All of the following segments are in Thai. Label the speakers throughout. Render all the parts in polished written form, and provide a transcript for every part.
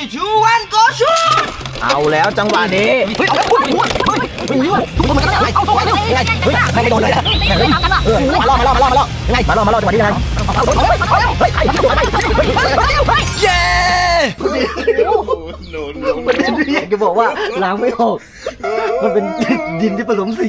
Speaker 1: 2 1 go shoot
Speaker 2: เอาแล้วจังหวะนี้เอาแล้วมันก็ได้ไม่โดนเลยมาล่อจังหวะนี้ยังไงเย้จะบอกว่าล้างไม่ออกมันเป็นดินที่ผสมสี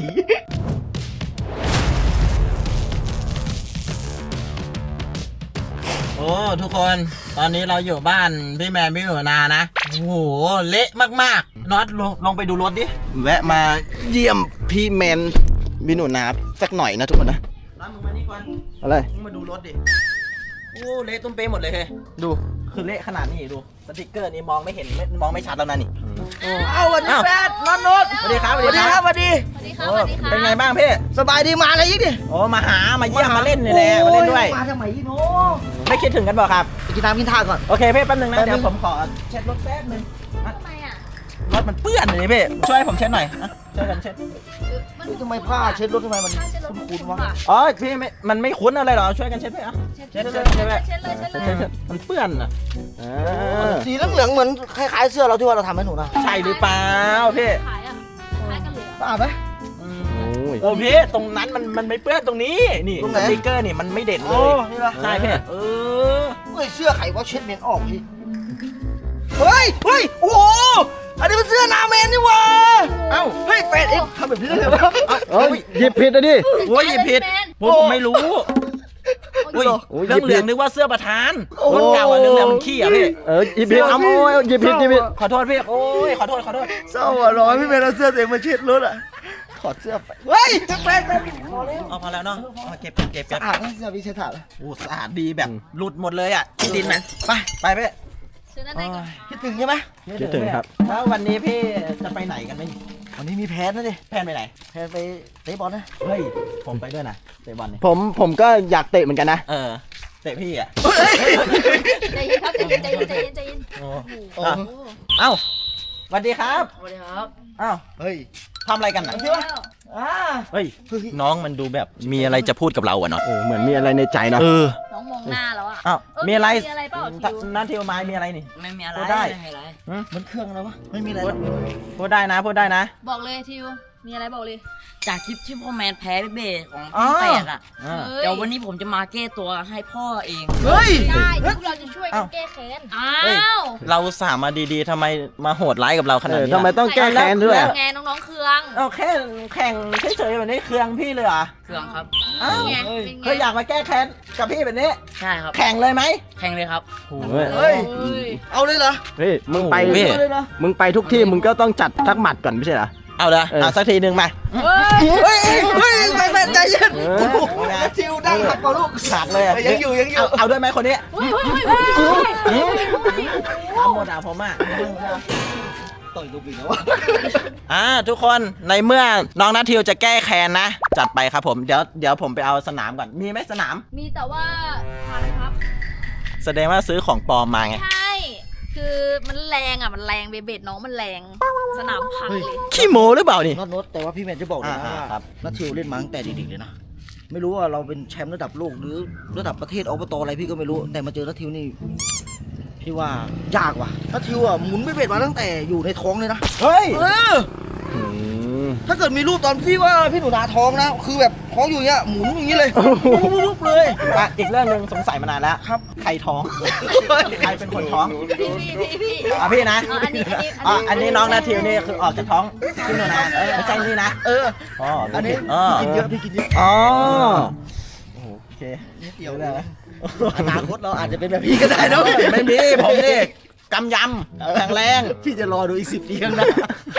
Speaker 2: โอ้ทุกคนตอนนี้เราอยู่บ้านพี่แมนพี่หนูนานะโอ้โหเละมากๆน็อตลงไปดูรถดิแวะมาเยี่ยมพี่แมนพี่หนูนาสักหน่อยนะทุกคนนะน้ำมึงมานี่ก่อนอะไรมึงมาดูรถดิโอ้เละตุ้มเป๊ะหมดเลยเฮ้ยดูคือเละขนาดนี้ดูสติกเกอร์นี่มองไม่เห็นมองไม่ชัดแล้วนะนี่เอาวันนี้แฟนน็อตสวัสดีครับสวัสดีครับสวัสดีเป็นไงบ้างพี่สบายดีมาอะไรยิ่งดิโอ้มาเยี่ยมมาเล่นนี่แหละมาเล่นด้วยมาทำไมยี่โนไม่คิดถึงกันบอกครับกินน้ำกินท่าก่อนโอเคพี่แป๊บนึงนะเดี๋ยวผมขอเช็ดรถแป๊บนึงทำไมอ่ะรถมันเปื้อนเลยพี่ช่วยผมเช็ดหน่อยช่วยกันเช็ดทำไมผ้าเช็ดรถทำไมมันคุ้นๆวะอ๋อพี่มันไม่คุ้นอะไรหรอช่วยกันเช็ดพี่อ่ะเช็ดมันเปื้อนอ่ะสีเหลืองๆเหมือนคล้ายๆเสื้อเราที่ว่าเราทำให้หนูนะใช่หรือเปล่าพี่สะอาดไหมโอ้พี่ตรงนั้นมันไม่เปื้อนตรงนี้นี่สติ๊กเกอร์นี่มันไม่เด่นเลยใช่พี่เสื้อไขว่าเช็ดเมนออกพี่เฮ้ยโอ้โหอันนี้เป็นเสื้อนาเมนนี่วะเอ้าเฮ้ยแฟนเอ็มทำแบบนี้ได้เลยวะหยิบผิดนะดิโอ้ยหยิบผิดผมไม่รู้เรื่องเหลืองนึกว่าเสื้อประธานคนเก่าเรื่องเหลืองมันขี้อ่ะพี่หยิบผิดหยิบผิดขอโทษพี่โอ้ยขอโทษเศร้าอ่ะร้อนพี่แมนเอาเสื้อเต็มมาเช็ดรถอ่ะถอดเสื้อเฮ้ยแฟนพอแล้วเนาะเก็บสะอาดนะเสื้อพี่เช็ดถาดโอ้สะอาดดีแบบหลุดหมดเลยอ่ะที่ดินนะไปพี่คิดถึงใช่ไหมคิดถึงครับแล้ววันนี้พี่จะไปไหนกันไหมวันนี้มีแพนนะดิแพนไปไหนแพนไปเตะบอลนะเฮ้ยผมไปด้วยนะเตะบอลเนี่ยผมก็อยากเตะเหมือนกันนะเตะพี่อ่ะ
Speaker 3: ใจเย็นครับใจเย็น
Speaker 2: เอ้าสวัสดีครับอ้าว
Speaker 1: เฮ้ย
Speaker 2: ทำอะไรกันนะเฮ้ยน้องมันดูแบบมีอะไรจะพูดกับเราอ่ะเนาะเหมือนมีอะไรในใจนะ
Speaker 3: น้องมองหน้าแล้วอ่ะ
Speaker 2: อ้าวมีอะไร
Speaker 3: เปล่า
Speaker 2: นั่นเที่ยวไม้มีอะไรนี่
Speaker 3: ไม่มีอะไร
Speaker 2: พูดได้
Speaker 1: มันเครื่องอะไรวะไม่มีอะไร
Speaker 2: พูดได้นะ
Speaker 3: บอกเลยทิวมีอะไรบอกเลย
Speaker 4: จากคลิปที่พ่อแมนแพ้เบสของพี่แฝดอ่ะเดี๋ยววันนี้ผมจะมาแก้ตัวให้พ่อเอง
Speaker 1: เฮ้ย
Speaker 3: ได้พวกเราจะช่วยกันแก้แค้น
Speaker 2: เราสามารถดีๆทำไมมาโหดร้ายกับเราขนาดนี้ทำไมต้องแก้แค้นด้วย
Speaker 3: ไงน้องๆเคือง
Speaker 2: แค่แข่งเฉยๆแบบนี้เคืองพี่เลยเหรอ
Speaker 4: เคืองครับ
Speaker 2: เคยอยากมาแก้แค้นกับพี่แบบนี้
Speaker 4: ใช่ครับ
Speaker 2: แข่งเลยไหม
Speaker 4: แข่งเลยครับ
Speaker 1: เฮ้ยเอาเลยเหรอ
Speaker 2: เฮ้ยมึงไปทุกที่มึงก็ต้องจัดทักหมัดก่อนไม่ใช่เหรอเอาเลยสักทีหนึ่งมา
Speaker 1: เฮ้ยไม่ใจเย็นทิวดังหักเปล่าลูก
Speaker 2: หักเลย
Speaker 1: ยังอยู่
Speaker 2: เอาด้วยไหมคนนี้ทำหมดผมอ่ะ
Speaker 1: ต่อยลูกอีกแล้ว
Speaker 2: ทุกคนในเมื่อน้องนัททิวจะแก้แค้นนะจัดไปครับผมเดี๋ยวผมไปเอาสนามก่อนมีไหมสนาม
Speaker 3: มีแต่ว่าทันครับ
Speaker 2: แสดงว่าซื้อของปลอมมาไง
Speaker 3: ใช่คือมันแรงเบสน้องมันแรงสนามพังเลย
Speaker 2: ขี้โม้หรือเปล่านี่
Speaker 1: น็อตแต่ว่าพี่แมนจะบอกเลยว่านัททิวเล่นมาตั้งแต่เด็กๆเลยนะไม่รู้ว่าเราเป็นแชมป์ระดับโลกหรือระดับประเทศอบตอะไรพี่ก็ไม่รู้แต่มาเจอนัททิวนี่พี่ว่ายากว่ะนัททิวอ่ะหมุนเบสมาตั้งแต่อยู่ในท้องเลยนะ
Speaker 2: เฮ้ย
Speaker 1: ถ้าเกิดมีรูปตอนพี่ว่าพี่หนูนาท้องนะคือแบบท้องอยู่เงี้ยหมุนอย่างนี้เลยรูปเลย
Speaker 2: อีกเรื่องนึงสงสัยมานานแล้ว
Speaker 1: ครับ
Speaker 2: ใครท้องใครเป็นคนท้อง
Speaker 3: พี่
Speaker 2: นะอันนี้น้องนาทิวนี่คือออกจากท้องพี่หนูนาไม่ใช่นี่นะ
Speaker 1: อันนี้กินเยอะพี่กินเยอะ
Speaker 2: โอเค
Speaker 1: เกี่ยวเลยอนาคตเราอาจจะเป็นแบบพี่ก็ได้นะ
Speaker 2: ไม่มีผมนี่กำยำแข็งแรง
Speaker 1: พี่จะรอดูอีก10 ปีข้างหน้า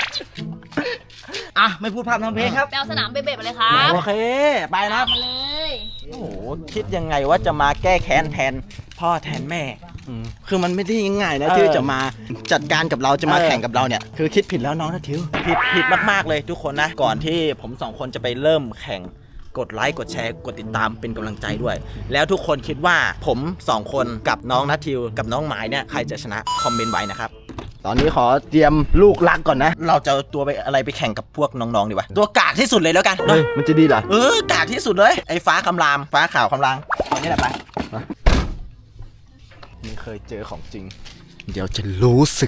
Speaker 1: ไม่พูดภาพทำเพลงครับ
Speaker 3: แปลสนามเบะๆไปเลยครับ
Speaker 2: โอเคไปนะ
Speaker 3: มาเลย
Speaker 2: โอ้โหคิดยังไงว่าจะมาแก้แค้นแทนพ่อแทนแม่คือมันไม่ได้ง่ายนะที่จะมาจัดการกับเราจะมาแข่งกับเราเนี่ยคือคิดผิดแล้วน้องนะทิวผิดมากๆเลยทุกคนนะก่อนที่ผม2คนจะไปเริ่มแข่งกดไลค์กดแชร์กดติดตามเป็นกำลังใจด้วยแล้วทุกคนคิดว่าผม2คนกับน้องนัททิวกับน้องหมายเนี่ยใครจะชนะคอมเมนต์ไว้นะครับตอนนี้ขอเตรียมลูกรักก่อนนะเราจะตัวไปอะไรไปแข่งกับพวกน้องๆดีวะตัวกากที่สุดเลยแล้วกันเฮ้ยมันจะดีเหรอกากที่สุดเลยไอ้ฟ้าคำรามฟ้าข่าวคำรามตอนนี้แหละไปนี่เคยเจอของจริงเดี๋ยวจะรู้สึก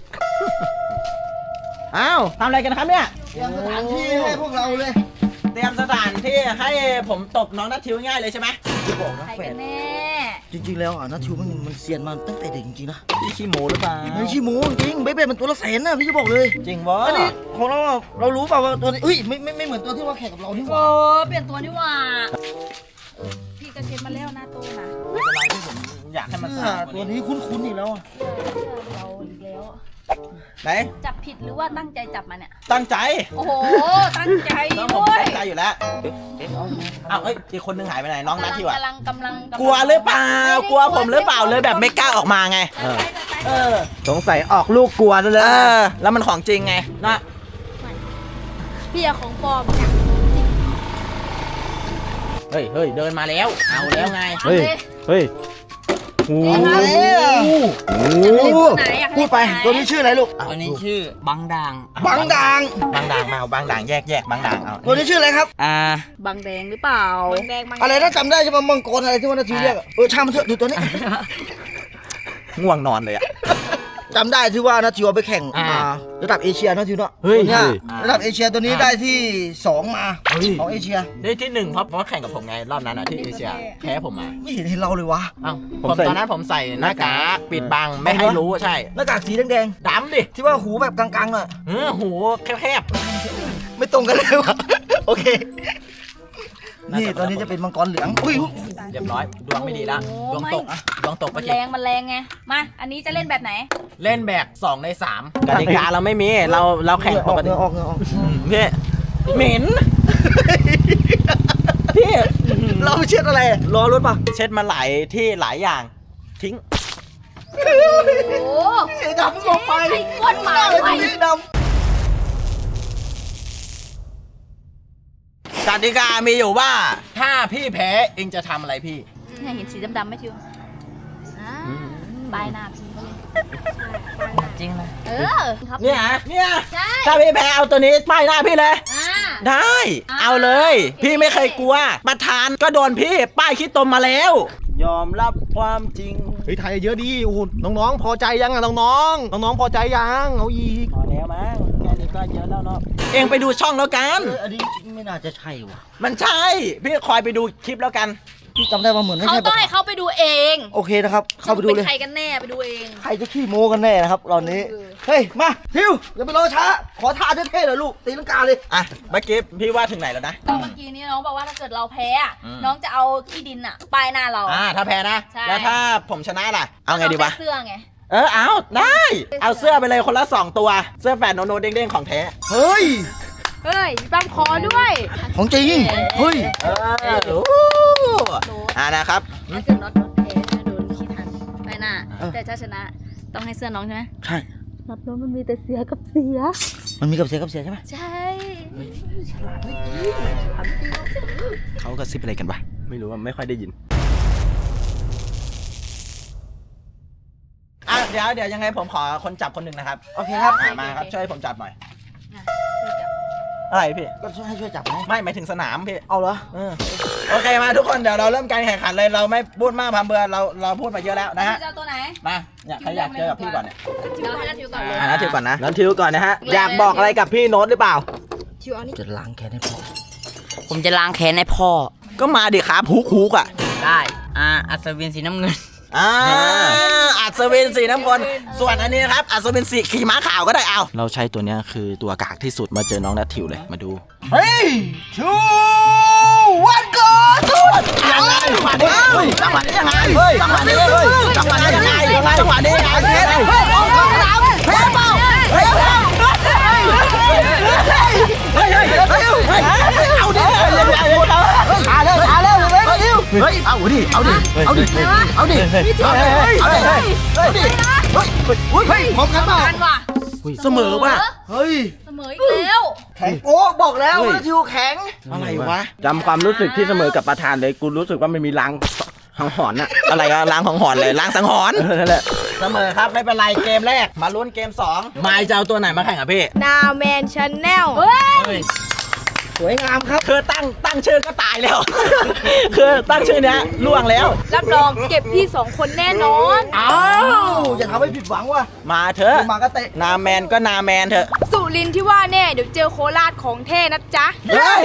Speaker 2: อ้าวทำอะไรกันครับเนี่ย
Speaker 1: เตรียมสถานที่ให้พวกเราเลย
Speaker 2: เตรียมสถานที่ให้ผมตบน้องนัททิวง่ายเลยใช่ไหม
Speaker 1: จะบอกนะ
Speaker 3: ใคร
Speaker 1: แฟ
Speaker 3: กัน นแน่
Speaker 1: จริงๆแล้วนัททิวมันเซียนมาตั้งแต่เด็กจริงๆนะ
Speaker 2: พี่ขี้โมหรือเปล่า
Speaker 1: ไม่ใช่หมูจริงเบ๊ะมันตัวละแสนนะพี่จะบอกเลย
Speaker 2: จริงวะ
Speaker 1: อันนี้ของเราอะเรารู้เปล่าว่าตัวนี้ไม่เหมือนตัวที่ว่าแข่งกับเรานี่ห
Speaker 3: โอ้
Speaker 1: ว่า
Speaker 3: เปลี่ยนตัวนี่หว่าพี่ก็เช็ดมาแล้วหน้าตู้นะ
Speaker 2: ไม่เป็นไรที่ผมอยากให้มันสะอาดก
Speaker 1: ตัว
Speaker 2: ว่านี้
Speaker 1: นี้คุ้นๆอีกแล้วอะ
Speaker 3: เสื้อเราอีกแล้ว
Speaker 2: ไหน
Speaker 3: จับผิดหรือว่าตั้งใจจับมาเนี่ย
Speaker 2: ตั้งใจ
Speaker 3: โอ้โห ตั้งใจ
Speaker 2: ต้องผม
Speaker 3: ด้วย
Speaker 2: ตั้งใจอยู่แล้วอ้าวเอ้ยอีกคนนึงหายไปไหนน้องนัททิวอะ
Speaker 3: กำลัง
Speaker 2: กลัวหรือเปล่ากลัวผมหรือเปล่าเลยแบบไม่กล้าออกมาไง เออ
Speaker 5: สงสัยออกลูกกลัวซะแล้ว
Speaker 2: แล้วมันของจริงไงนะ
Speaker 3: พี่อะของปลอมเนี่ย
Speaker 2: เฮ้ยเฮ้ยเดินมาแล้ว เอาแล้วไง
Speaker 3: เอาเลย
Speaker 5: เฮ้ยโอ้
Speaker 3: เอ๊ะครับ
Speaker 5: โห
Speaker 3: อยากเล่นตัวไหนอยาก
Speaker 1: พู
Speaker 3: เล่
Speaker 1: ด
Speaker 3: น
Speaker 1: ไป
Speaker 3: ตัวไหน
Speaker 1: ตัวนี้ชื่ออะไรลูก
Speaker 4: ตัวนี้ชื่อบังด่าง
Speaker 1: บังด่าง
Speaker 2: บางด่างมาเอาบางด่างแยกบางด่างเอา
Speaker 1: ตัวนี้ชื่ออะไรครับ
Speaker 3: บางแดงหรือเปล่าบางแดงบาง
Speaker 1: อะไรนะจำได้ใช่ไหมมังกรอะไรที่ว่านาทีเรียกอะช่างมันเถอะดูตัวนี้
Speaker 2: ง่วงนอนเลยอะ
Speaker 1: จำได้ที่ว่านาทีเอาไปแข่ง
Speaker 2: อ่า
Speaker 1: ระดับเอเชียนาทีเนาะ
Speaker 5: เฮ้ย
Speaker 1: ตัวเนี่ย
Speaker 5: เฮ้ย
Speaker 1: ระดับเอเชียตัวนี้ได้ที่2มาของเอเชีย
Speaker 2: ได้ที่หนึ่งเพราะแข่งกับผมไงรอบนั้นอะที่เอเชียแพ้ผมมา
Speaker 1: ไม่เห็นเราเลยวะ
Speaker 2: เอ้า
Speaker 5: ผ
Speaker 2: ผม ม
Speaker 5: ใส่
Speaker 2: ตอนนั้นผมใส่หน้ากากปิดบังไม่ให้รู้ใช่
Speaker 1: หน้ากากสีแดง
Speaker 2: ดำดิ
Speaker 1: ๆที่ว่าหูแบบกลางๆหน่อย
Speaker 2: หูแคบ
Speaker 1: ไม่ตรงกันเลยวะโอเค นี่ตัวนี้จะเป็นมังกรเหลืองอุ้ย
Speaker 2: ๆเรียบร้อยดวงไม่ดีละดวงตกอะดวงตก
Speaker 3: มั
Speaker 2: ปะ
Speaker 3: น
Speaker 2: เก
Speaker 3: แรงมันแรงไง มา อันนี้จะเล่นแบบไหน
Speaker 2: เล่นแบบ2 ใน 3กติกาเราไม่มีเราแข่งปกติ
Speaker 1: ออกเงออก
Speaker 2: พี่เหม็นพี่
Speaker 1: เราเช็ดอะไรรอรถป่ะ
Speaker 2: เช็ดมาหลายที่หลายอย่างทิ้ง
Speaker 3: โอ้โห
Speaker 1: ดำลงไป
Speaker 3: ไอ้ก้นหมา
Speaker 1: ตัว
Speaker 3: ไว้
Speaker 1: นี้ด
Speaker 2: กติกามีอยู่ว่า ถ้าพี่แพ้เองจะทำอะไรพี่
Speaker 3: เนี่ยเห็นสีดำๆไหมชิวอ่าปลายหน้าพี่เลย
Speaker 4: จริงนะ
Speaker 3: เออครับ
Speaker 2: เนี่ยเนี่ย
Speaker 3: ใช่
Speaker 2: ถ้าพี่แพ้เอาตัวนี้ป้ายหน้าพี่เลย
Speaker 3: อ่า
Speaker 2: ได้
Speaker 3: อ่า
Speaker 2: เอาเลย พี่ไม่เคยกลัว ประธานก็โดนพี่ป้ายขี้ตมมาแล้ว ยอมรับความจริง
Speaker 5: เฮ้ยไทยเยอะดีโอ้โหน้องๆพอใจยังอ่ะน้องๆน้องๆพอใจยังเอาอีก
Speaker 2: พอแล้วมั้งแค่นี้ก็เยอะแล้วเนาะเองไปดูช่องแล้วกัน
Speaker 1: ำอันนี้ไม่น่าจะใช่ว่ะ
Speaker 2: มันใช่ พี่คอยไปดูคลิปแล้วกัน
Speaker 1: พี่จำได้ว่าเหมือนไม่
Speaker 3: เขา
Speaker 1: ใช่
Speaker 3: ต้องให้เขาไปดูเอง
Speaker 1: โอเคนะครับ เข้าไปดูเลย
Speaker 3: นใครกันแน่ไปดูเอง
Speaker 1: ใครจะขี้โม้กันแน่นะครับตอนนี้ เฮ้ย มาทิวอย่าไปรอช้า ขอท่าเท่ๆเลยลูก ตีลังกาเลย
Speaker 2: อ่ะเมื่อกี้พี่ว่าถึงไหนแล้วนะ
Speaker 3: ก็เมื่อกี้นี้น้องบอกว่าถ้าเกิดเราแพ้อะ
Speaker 2: อืม
Speaker 3: น้องจะเอาขี้ดินอะป้ายหน้าเรา
Speaker 2: ถ้าแพ้นะ
Speaker 3: ใช่
Speaker 2: แล้วถ้าผมชนะล่ะ เอาไงดีวะ
Speaker 3: เสื้อไง
Speaker 2: เอาได้ เอาเสื้อไปเลยคนละ 2 ตัว เสื้อแฟนโนโนเด้งๆของแท้
Speaker 1: เฮ้ย
Speaker 3: เฮ้ยมีปั๊มคอด้วย
Speaker 1: ของจริง เฮ้ย
Speaker 2: นะครับ
Speaker 3: ถ้าเกิดน็อตแพ้จะโดนขี้ทันป้ายหน้า
Speaker 1: เออ
Speaker 3: แต่ถ้าชนะต้องให้เสื้อน้องใช่ไหม
Speaker 1: ใช่
Speaker 3: น็อตน้องมันมีแต่เสียกับเสีย
Speaker 1: มันมีกับเสียใช่ไหม
Speaker 3: ใช่
Speaker 2: เขากระซิบอะไรกันวะ
Speaker 5: ไม่รู้ว่าไม่ค่อยได้ยิน
Speaker 2: เดี๋ยวยังไงผมขอคนจับคนหนึ่งนะครับ
Speaker 1: โอเคครับ
Speaker 2: มาครับ ช่วยผมจับหน่อย
Speaker 3: อ่ะช่วยจับ
Speaker 2: อะไรพี่
Speaker 1: ก็ให้ช่วยจับไหม
Speaker 2: ไม่หมายถึงสนามพี่
Speaker 1: เอาเหรอ
Speaker 2: โอเคมาทุกคนเดี๋ยวเราเริ่มการแข่งขันเลยเราไม่พูดมากพร่ำเพรื่อเราพูดมาเยอะแล้วนะฮะ
Speaker 3: จะเอาตัวไหน
Speaker 2: มาเนี่ยใครอยากเจอกับพี่ก่อนเนี่ย
Speaker 3: เราให้นัดทิวก่อนเลย
Speaker 2: นัททิวก่อนนะ
Speaker 5: นั้นทิวก่อนนะฮะ อยากบอกอะไรกับพี่โน้ตหรือเปล่า
Speaker 1: จะล้างแค้นให้พ่อ
Speaker 4: ผมจะล้างแค้นให้พ่อ
Speaker 2: ก็มาดิครับฮุกอ่ะ
Speaker 4: ได้ อัศวินสีน้ำเงิน
Speaker 2: อัศวินสีน้ำเงินส่วนอันนี้นะครับอัศวินสีขี่ม้าขาวก็ได้เอาเราใช้ตัวเนี้ยคือตัวกากที่สุดมาเจอน้องนัททิวเลยมาดู
Speaker 1: เฮ้ยชูวันก่อนสุด
Speaker 2: ยังไงจังหวะนี้จังหวะนี้ยังไงจังหวะนี้จังหวะนี้ยังไงจังหวะนี้ยังไงเฮ้ยเฮ้ยเฮ้ยเปล่าเฮ้ยเอาดิช้าเร็วเฮ้ยเอาดิพร้อมกันเปล่า
Speaker 3: กันว่ะ
Speaker 2: เสมอป่ะ
Speaker 1: เฮ้ย
Speaker 3: เสมออีกแล้ว
Speaker 1: แข็งโอ้บอกแล้วว่าทิวแข็ง
Speaker 2: อะไรวะ
Speaker 5: จำความรู้สึกที่เสมอกับประธานเลย กูรู้สึกว่ามันมีลังหังหอนอ่ะ
Speaker 2: อะไรก็ล้างของหอนเลยล้างสังหรณ์
Speaker 5: นั่นแหละ
Speaker 2: เสมอครับไม่เป็นไรเกมแรกมาลุ้นเกม2มายจะเอาตัวไหนมาแข่งกับพี่
Speaker 6: นาวแมนชาแนล
Speaker 3: เฮ้ย
Speaker 1: สวยงามครับ
Speaker 2: คือตั้งชื่อก็ตายแล้ว คือตั้งชื่อเนี้ยล่วงแล้ว
Speaker 3: รับรองเก็บพี่สองคนแน่นอน
Speaker 1: อ้าวอย่าทำให้ผิดหวังว่ะ
Speaker 2: มาเถอะ
Speaker 1: มาก็เตะ
Speaker 2: นาแมนก็นาแมนเถอะ
Speaker 3: สุรินทร์ที่ว่าแน่เดี๋ยวเจอโคราชของแท้นะจ๊ะ
Speaker 1: เฮ้ย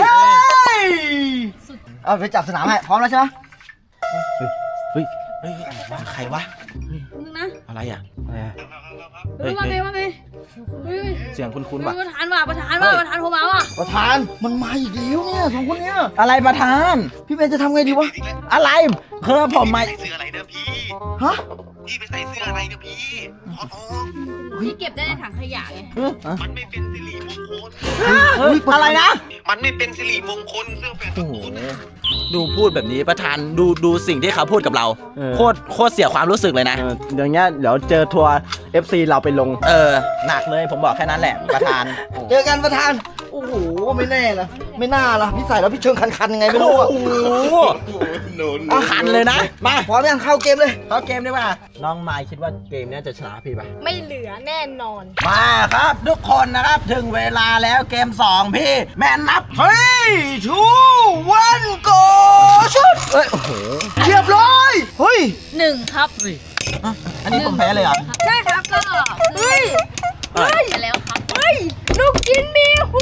Speaker 1: เอาไปจับสนามให้พร้อมแล้วใช่ไหม
Speaker 2: เฮ้ยว่าใครวะ
Speaker 3: นึงนะ
Speaker 2: อะไรอ่ะ
Speaker 3: ว่าไงว่าไงเฮ้ย
Speaker 2: เสียงคุ้นๆ
Speaker 3: ป
Speaker 2: ว่ะ
Speaker 3: ระธานโทรมาว่ะ
Speaker 1: ประธานมันมาอีกแล้วเนี่ยสองคนเนี้ย
Speaker 2: อะไรประธาน
Speaker 1: พี่เบนจะทำไงดีวะ
Speaker 2: อะไรคือผมมา
Speaker 6: ใส่เสื้ออะไรเด้อพี่
Speaker 1: ฮะ
Speaker 6: พี่ไปใส่เสื้ออะไรเด้อพี่ขอโทษ
Speaker 3: พี่เก็บได้ในถังขยะไง
Speaker 6: มันไม่เป็นสิริมงคล
Speaker 2: อะไรนะ
Speaker 6: มันไม่เป็นสิริมงคลเสื้อแฟน
Speaker 2: โอ้โหดูพูดแบบนี้ประธานดูสิ่งที่เขาพูดกับเรา โคตรเสียความรู้สึกเลยนะ
Speaker 5: อย่างเงี้ยเดี๋ยวเจอทัวร์ FC เราไปลง
Speaker 2: หนักเลยผมบอกแค่นั้นแหละประธาน
Speaker 1: เจอกันประธานโอ้โหไม่แน่ละไม่น่าละพี่ใส่แล้วพี่เชิงคันๆยังไงไม่รู้อะ
Speaker 2: โอ้โหเอาขันเลยนะ มา
Speaker 1: พร้อมยังเข้าเกมเลย
Speaker 2: เข้าเกมดีกว่าน้องไมค์คิดว่าเกมเนี้ยจะชนะพี่ปะ
Speaker 3: ไม่เหลือแน่นอน
Speaker 2: มาครับทุกคนนะครับถึงเวลาแล้วเกม 2 พี่ แมนนับ
Speaker 1: 3 2 1 go ชุดเอ้ยโอ้โหเรียบร้อยเฮ้ย
Speaker 3: 1 ครับ
Speaker 2: อันนี้ผมแพ้เลยเหรอ
Speaker 3: ใช่ครับก็เฮ้ย
Speaker 2: เฮ้ย
Speaker 3: ไปแล้วครับ เฮ้ย ลูกชิ้นมีหู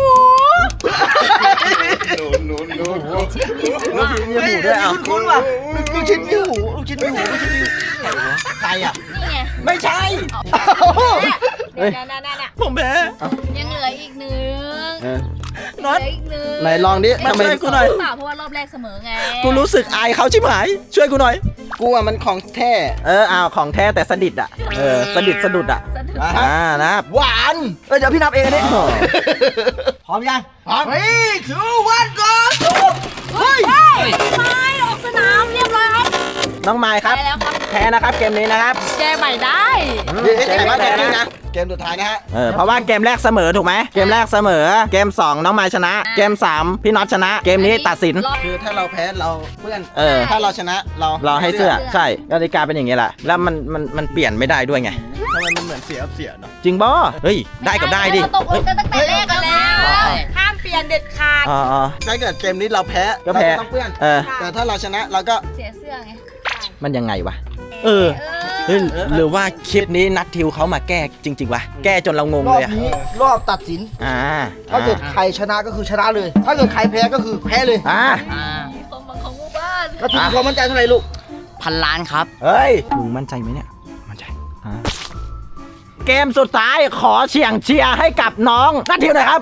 Speaker 2: ลูกชิ้นมีหูด้วยอ่ะ
Speaker 1: คุ้นๆว่ะลูกชิ้นมีหูลูกชิ้นมีหูลูกชิ้นมีหู
Speaker 2: ใครอ่ะ
Speaker 3: นี่ไง
Speaker 2: ไม่ใช่
Speaker 3: เนี่ยน่ะ
Speaker 2: ผมแพ้
Speaker 3: ยังเหลืออีกหนึ่ง
Speaker 2: น็อต
Speaker 3: เหลืออีกหนึ่ง
Speaker 5: ไหนลองดิ
Speaker 2: มาช่วยกูหน่อย
Speaker 3: เปล่าเพราะว่ารอบแรกเสมอไง
Speaker 2: กูรู้สึกอายเขาชิบหาย ช่วยกูหน่อย
Speaker 1: กูอ่ะมันของแท้
Speaker 2: เอาของแท้แต่สดิดอ่ะ สดิดสะดุดอ่ะ
Speaker 3: สะดุด
Speaker 2: นะครับ
Speaker 1: หวานเดี๋ยวพี่นับเองอันนี้พร้อมยังพร้อม3 2 1 go เฮ้ย
Speaker 3: ไม่ออกสนามเรียบร้อยครับ
Speaker 2: น้องไมค์ครับ
Speaker 3: ไปแล้วครับ
Speaker 2: แพ้นะครับเกมนี้นะครับ
Speaker 3: แก้ใหม่ได้
Speaker 2: เกมแรกนะ
Speaker 1: เกมสุดท้ายนะฮะ
Speaker 2: เพราะว่าเกมแรกเสมอถูกไหมเกมแรกเสมอ เกม 2 น้องไมค์ชนะ เกม 3 พี่น็อตชนะ เกมนี้ตัดสิน
Speaker 1: คือถ้าเราแพ้เราเพื่อน
Speaker 2: ถ้า
Speaker 1: ถ้าเราชนะเรา
Speaker 2: เราให้เสื้อใช่กติกาเป็นอย่างนี้แหละ แล้วมันเปลี่ยนไม่ได้ด้วยไง
Speaker 1: ทำไมมันเหมือนเสียเนาะ
Speaker 2: จริงบ่เฮ้ย ได้กับได้ดิ
Speaker 3: เราตกลงกันตั้งแต่แรกกันแล้ว ห้ามเปลี่ยนเด็ดขาด
Speaker 2: อ๋อ
Speaker 1: ถ้าเกิดเกมนี้เราแพ้
Speaker 2: ก็แพ้
Speaker 1: เราต้องเพื่อน แต่ถ้าเราชนะเราก็
Speaker 3: เสียเสื้อไง
Speaker 2: มันยังไงวะ เฮ้ยหรือว่าคลิปนี้นัดทิวเขามาแก้จริงๆวะ แก้จนเรางง
Speaker 1: รอ
Speaker 2: เลย
Speaker 1: บ
Speaker 2: อะ
Speaker 1: นี้รอบตัดสิน ถ้าเกิดใครชนะก็คือชนะเลย ถ้าเกิดใครแพ้ก็คือแพ้เลย
Speaker 3: ของบางของหมู่บ้าน
Speaker 1: แล้วทีมความมั่นใจเท่าไหร่ลูก
Speaker 4: 1,000 ล้านครับ
Speaker 2: เฮ้ยมึงมั่นใจไหมเนี่ย มั่นใจเกมสุดท้ายขอเชียร์ให้กับน้องนัททิวหน่อยครับ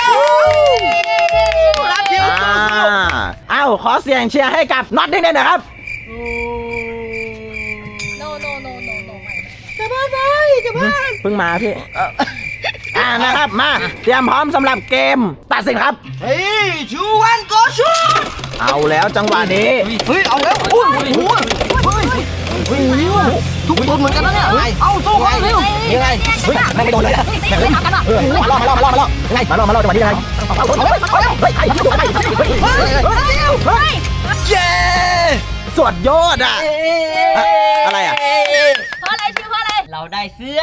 Speaker 1: นัททิว
Speaker 2: เอ้าขอเสียงเชียร์ให้กับน็อตนิดหน่อยนะครับ
Speaker 3: โนไม่
Speaker 2: เพิ่งมาพี่ นะครับมาเตรียมพร้อมสำหรับเกมตัดสินครับ
Speaker 1: เฮ้ยชูวันโกชู
Speaker 2: เอาแล้วจังหวะนี้
Speaker 1: เฮ้ยเอาแล้วอุ้ยทุกคนเหมือนกันนะเนี่ยเอาสู้กันเร็วยังไงเฮ้ยไม่โดนเลยมาล่อยังไงมาล่อจังหวะนี้ยังไงเย้
Speaker 2: สวดยอดอ่ะ อะไรอ่ะ
Speaker 3: เพราะอะไรชื่อเพราะอะไร
Speaker 4: เราได้เสื้อ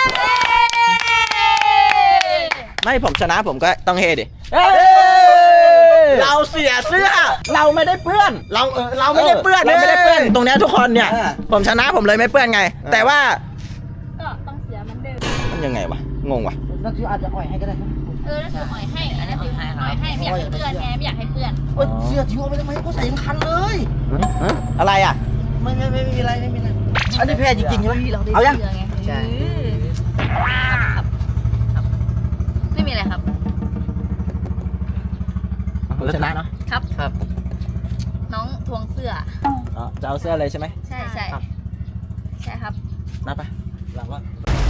Speaker 2: ไม่ผมชนะผมก็ต้องเฮดิเราเสียเสื้อ เราไม่ได้เปื้อน
Speaker 1: เราไม่ได้เปื้อน
Speaker 2: เราไม่ได้เปื้อน ตรงเนี้ยทุกคนเนี่ย ผมชนะผมเลยไม่เปื้อนไง แต่ว่า
Speaker 3: ก็ต้องเสียเหมือนเดิม
Speaker 2: มันยังไงวะ งงวะ
Speaker 1: นักที่อาจจะอ่อยให้ก็ได้
Speaker 3: นั่นคืออ่อยให้อันนี้คืออ่อยให้ไม่อยากให้เพื่อนไงไม่อยากให้เพื่อน
Speaker 1: เสื้อทิ้งเอาไปทำไมเขาใส่ยังคันเลย
Speaker 2: อะไรอ่ะ
Speaker 1: ไม่มีอะไรอันนี้แพ้จริงๆใช่ไหมเอายัง
Speaker 3: ใช่ครับไม่มีอะไรครับ
Speaker 2: ชนะเนาะ
Speaker 3: ครับ น้องทวงเสื้อ
Speaker 2: จะเอาเสื้อเลยใช่ไหม
Speaker 3: ใช่ใช่ครับ
Speaker 2: นับไปหลังว่า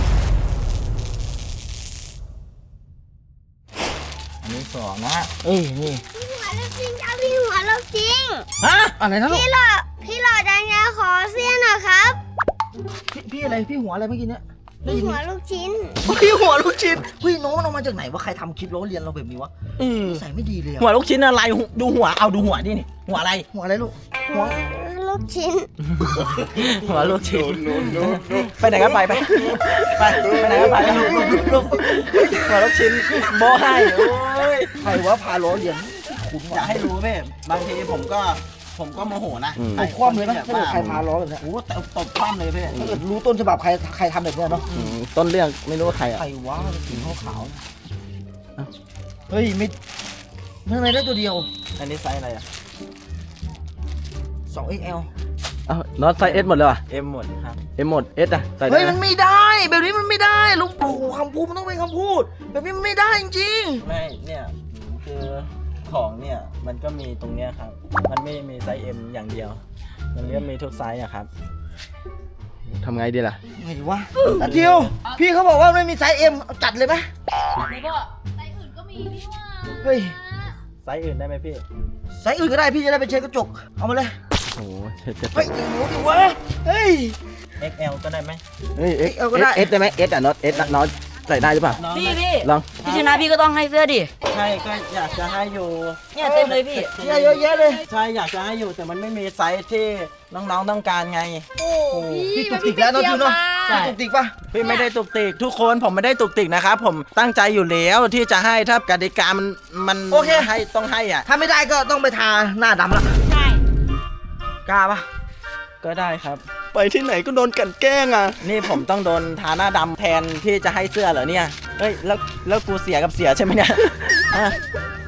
Speaker 2: อันนี้2นะนี่
Speaker 7: หัวลูกจริงเอาพี่หัวลูกจริง
Speaker 2: ฮะ
Speaker 1: อะไรนะลูก
Speaker 7: พี่หล่อดังยาขอเสี้ยหน่อยครับ
Speaker 1: พี่อะไรพี่หัวอะไรเมื่อกี้เนี่ย
Speaker 7: พี่หัวลูกชิ้น
Speaker 1: พี่หัวลูกชิ้นเฮ้ยน้องมันเอามาจากไหนวะใครทำคลิปล้อเลียนเราแบบนี้วะใส่ไม่ดีเลย
Speaker 2: หัวลูกชิ้นอะไรดูหัวเอาดูหัวดินี่หัวอะไร
Speaker 1: หัวอะไรลูกหัว
Speaker 7: ลูกชิ้น
Speaker 2: หัวลูกชิ้นไปไหนก็ไปไหนก็ไปหัวลูกชิ้นโบให้โอ้ย
Speaker 1: ใครวะพาล้อเลียนคุ้น
Speaker 2: อยากให้รู้พี่บางทีผมก็โมโหนะ
Speaker 1: ตบคว่ำเลยไหมถ้าเกิดใครพาล้อแบบเนี้ย
Speaker 2: โอ้ตบคว่ำเลยพี่
Speaker 1: ถ้าเกิดรู้ต้นฉบับใครทำแบบเนี้ยเนาะ
Speaker 2: ต้นเรื่องไม่รู้ว่าใครอ่ะ
Speaker 1: ใครวะสีขาวๆเฮ้ยไม่ทำไมได้ตัวเดียว
Speaker 2: อันนี้ไซส์อะไรอ่ะ
Speaker 1: 2XL
Speaker 5: อ้าวน็อตไซส์เอสหมดเลยว่ะ
Speaker 2: เอ็มหมดครับ
Speaker 5: เอ็มหมดเอสอะใส่ได้
Speaker 1: เฮ้ย
Speaker 5: ไหม
Speaker 1: มันไม่ได้แบบนี้มันไม่ได้ลุงปู่คำพูดมันต้องเป็นคำพูด แบบนี้มันไม่ได้จริง
Speaker 2: ไม่เนี่ยคือของเนี่ยมันก็มีตรงเนี้ยครับมันไม่มีไซส์ M อย่างเดียว มันก็มีทุกไซส์อะครับ
Speaker 5: ทำไงดีล่ะ
Speaker 1: ๆไงดีวะอาทิวพี่เขาบอกว่าไม่มีไซส์ M เอาจัดเลยไหม
Speaker 3: แล้วก็ไซส์อื่นก็มีนี่ว่า
Speaker 1: เฮ้ย
Speaker 2: ไซส์อื่นได้ไหมพี่
Speaker 1: ไซส์อื่นก็ได้พี่จะได้ไปเช็ดกระจกเอามาเลย
Speaker 5: โอ้โหเจ็บ
Speaker 1: เฮ้ยโอ้โหดิวะเฮ้ย
Speaker 2: XL ก็ได้ไหม
Speaker 5: เฮ้ยเอส
Speaker 1: เอาก็ได้
Speaker 5: เอสได้ไหมเอสอะน็อตเอสน็อตใส่ได้หรือเปล่า
Speaker 2: น้อง
Speaker 4: พี่
Speaker 5: ลอง
Speaker 4: พี่ชนะพี่ก็ต้องให้เสื้อดิ
Speaker 2: ใช่ก็อยากจะให้อยู่
Speaker 4: เนี่ยเต็มเลยพี่
Speaker 1: เยอะแยะเลย
Speaker 2: ใช่อยากจะให้อยู่แต่มันไม่มีไซส์ที่น้องๆต้องการไง
Speaker 3: โอ้พี่
Speaker 1: พี่ตุกติกแล้วเนาะทิวเนาะ
Speaker 2: ใช่
Speaker 1: ตุกติกปะ
Speaker 2: พี่ไม่ได้ตุกติกทุกคนผมไม่ได้ตุกติกนะครับผมตั้งใจอยู่แล้วที่จะให้ถ้ากติกามันให้ต้องให้อ่ะ
Speaker 1: ถ้าไม่ได้ก็ต้องไปทาหน้าดำละ
Speaker 3: ใช่
Speaker 1: กล้าปะ
Speaker 2: ก็ได้ครับ
Speaker 5: ไปที่ไหนก็โดนกลั่นแกล้งอ่ะ
Speaker 2: นี่ผมต้องโดนทาหน้าดำแทนที่จะให้เสื้อเหรอเนี่ยเฮ้ยแล้วกูเสียกับเสียใช่ไหมเนี่ย อ่ะ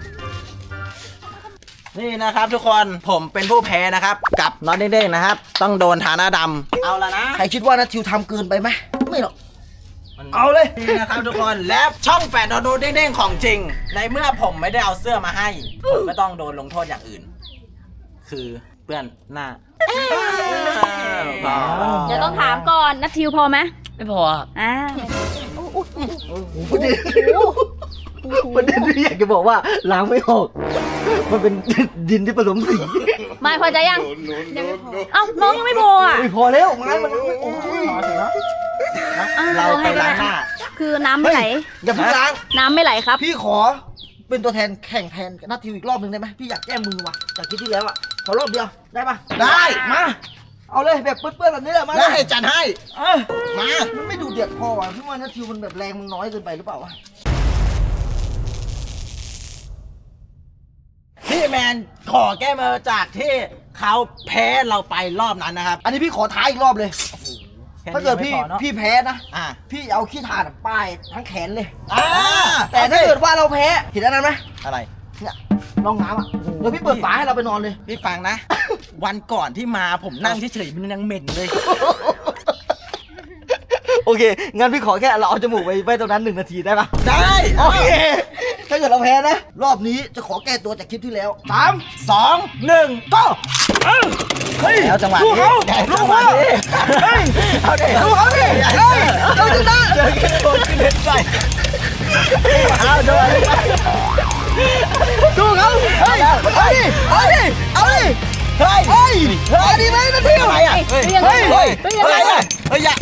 Speaker 2: นี่นะครับทุกคนผมเป็นผู้แพ้นะครับ กับน็อตเด้งๆนะครับ ต้องโดนทาหน้าดำเอาละนะ
Speaker 1: ใครคิดว่านะทิวทำเกินไปไหมไม่หรอก
Speaker 2: มัน
Speaker 1: เอาเลย
Speaker 2: นี่นะครับทุกคนและช่องแฝดโดนเด้งๆของจริง ในเมื่อผมไม่ได้เอาเสื้อมาให้ ผมก็ต้องโดนลงโทษอย่างอื่น คือเปื้อนหน้า
Speaker 3: เดี๋ยวต้องถามก่อนนัททิวพอไหม
Speaker 4: ไม่พอครับ
Speaker 3: อ่า
Speaker 1: ประเด็นประเด็นที่อยากจะบอกว่าล้างไม่ออก มันเป็นดินที่ผสมสี
Speaker 3: ไม่พอใจยังยังไม่พอเอ้าน้องยังไม่พออ่ะ
Speaker 1: ไม่พอแล้วไม้มันไม่โอ้ย
Speaker 2: เราไปล้างหน้า
Speaker 3: คือน้ำไม่ไหล
Speaker 1: อย่าเพิ่งล้าง
Speaker 3: น้ำไม่ไหลครับ
Speaker 1: พี่ขอเป็นตัวแทนแข่งแทนนัททิวอีกรอบหนึ่งได้ไหมพี่อยากแก้มือว่ะจากคลิปที่แล้วอ่ะขอรอบเดียวได้ปะได้มาเอาเลยแบบเปื้อนๆแบบนี้แหละมา
Speaker 2: ได้จัดให้
Speaker 1: มามันไม่ดูเดือดพอว่ะพี่ว่านัททิวมันแบบแรงมันน้อยเกินไปหรือเปล่าวะ
Speaker 2: พี่แมนขอแก้มือจากที่เขาแพ้เราไปรอบนั้นนะครับ
Speaker 1: อันนี้พี่ขอท้าอีกรอบเลย ถ้าเกิดพี่
Speaker 2: แค่นี้ยังไม่พอเนอะ
Speaker 1: พี่แพ้นะ
Speaker 2: อ่ะ
Speaker 1: พี่เอาขี้ถ่านป้ายทั้งแขนเลย
Speaker 2: อ่า
Speaker 1: แต่ถ้าเกิดว่าเราแพ้เห็นอันนั้นไหม
Speaker 2: อะไร
Speaker 1: เนี่ยร่องน้ำอ่ะเดี๋ยวพี่เปิดฝาให้เราไปนอนเลย
Speaker 2: พี่ฟังนะ วันก่อนที่มาผมนั่งเฉยๆมันยังเหม็นเลย
Speaker 1: โอเค งั้นพี่ขอแค่เราเอาจมูกไปไว้ตรงนั้น1 นาทีได้ปะ
Speaker 2: ได้
Speaker 1: โอเค ถ้าเกิดเราแพ้นะ รอบนี้จะขอแก้ตัวจากคลิปที่แล้ว 3
Speaker 2: 2 1 ก็
Speaker 1: เฮ้ย
Speaker 2: แล้วจังหวะ
Speaker 1: ลู
Speaker 2: นี้
Speaker 1: กเขา
Speaker 2: ได้
Speaker 1: ลู
Speaker 2: จั
Speaker 1: ก
Speaker 2: งหวะ
Speaker 1: เขา
Speaker 2: นี้
Speaker 1: เฮ้ย
Speaker 2: เอาดิ
Speaker 1: ลูกเขาดิเฮ้ยเราชนะ
Speaker 2: เจอแค่โดนขึ้นเล่นไปเอาโดน
Speaker 1: ดูเขาเฮ้ยเอาดิเอาดิเอาดิ
Speaker 2: เฮ้ย
Speaker 1: เฮ้ยเอาดิไหมนะพี่
Speaker 2: อะไรอ่ะเฮ้ย
Speaker 1: เฮ้ย
Speaker 2: เฮ้ยอะไรอ่ะเฮ้ยอย่า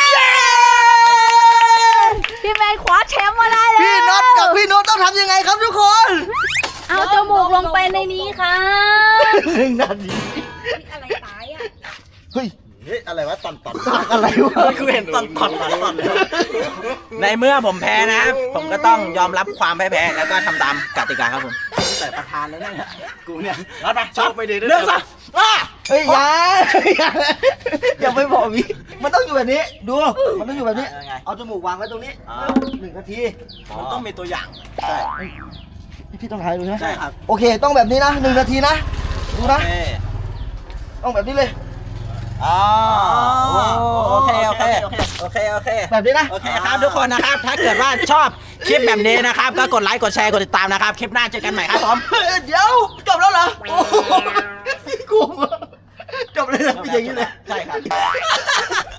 Speaker 3: พี่แมนคว้าแชมป์มาได้แล้ว
Speaker 1: พี่น็อตกับพี่โน้ตต้องทำยังไงครับทุกคน
Speaker 3: เอาจมูกลงไปในนี้ครับ
Speaker 1: 1 นาที
Speaker 3: อะไรตายอ่ะ
Speaker 1: เฮ้ย
Speaker 2: เฮ้ยอะไรวะตอน
Speaker 1: อะไรวะ
Speaker 2: กูเห็นตอนในเมื่อผมแพ้นะ ผมก็ต้องยอมรับความแพ้แล้วก็ทำตามกติกาครับผมแต่ประธานแล้วเนี่ยกูเนี่ยรับไปชอบไปดีด้วยเรื่องซะว่า
Speaker 1: เฮ้ยอย่าไปบอกวิมันต้องอยู่แบบนี้ ดู มันต้องอยู่แบบนี้ เอาจมูกวางไว้ตรงนี้ 1 นาที
Speaker 2: มันต้องมีตัวอย่างใช่
Speaker 1: พี่ต้องถ่ายดูใช่ไหม
Speaker 2: ใช่ครับ
Speaker 1: โอเค ต้องแบบนี้นะ 1 นาทีนะ ดูนะ
Speaker 2: โอเค
Speaker 1: ต้องแบบนี้เลย
Speaker 2: อ๋อโอเคโอเคโอเคโอเคโอเค
Speaker 1: แบบนี้นะ
Speaker 2: โอเคครับทุกคนนะครับ ถ้าเกิดว่าชอบคลิปแบบนี้นะครับ ก็กดไลค์กดแชร์กดติดตามนะครับ คลิปหน้าเจอกันใหม่ครับผม
Speaker 1: เดี๋ยวจบแล้วเหรอโอ้โหพี่กูจบเลยนะพี่อย่างนี้เลย
Speaker 2: ใช่ครับ